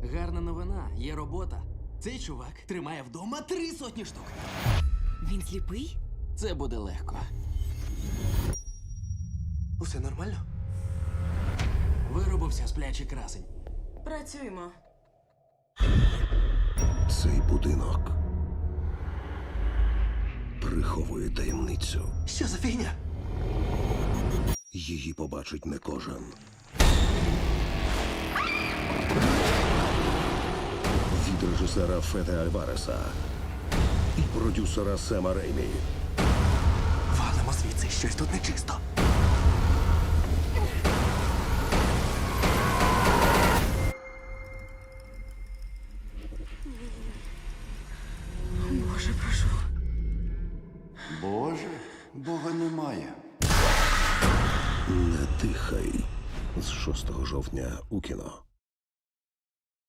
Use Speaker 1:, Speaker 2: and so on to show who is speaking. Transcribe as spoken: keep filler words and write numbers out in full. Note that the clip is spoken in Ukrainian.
Speaker 1: Гарна новина, є робота. Цей чувак тримає вдома три сотні штук.
Speaker 2: Він сліпий?
Speaker 1: Це буде легко.
Speaker 3: Усе нормально?
Speaker 1: Виробився сплячий красень.
Speaker 2: Працюємо.
Speaker 4: Цей будинок приховує таємницю.
Speaker 3: Що за фігня?
Speaker 4: Її побачить не кожен. Від режисера Феде Альвареса і продюсера Сема Реймі.
Speaker 3: Валимо звідси, щось тут нечисто.
Speaker 2: Боже, прошу.
Speaker 5: Боже, Бога немає.
Speaker 4: Не дихай з шостого жовтня у кіно.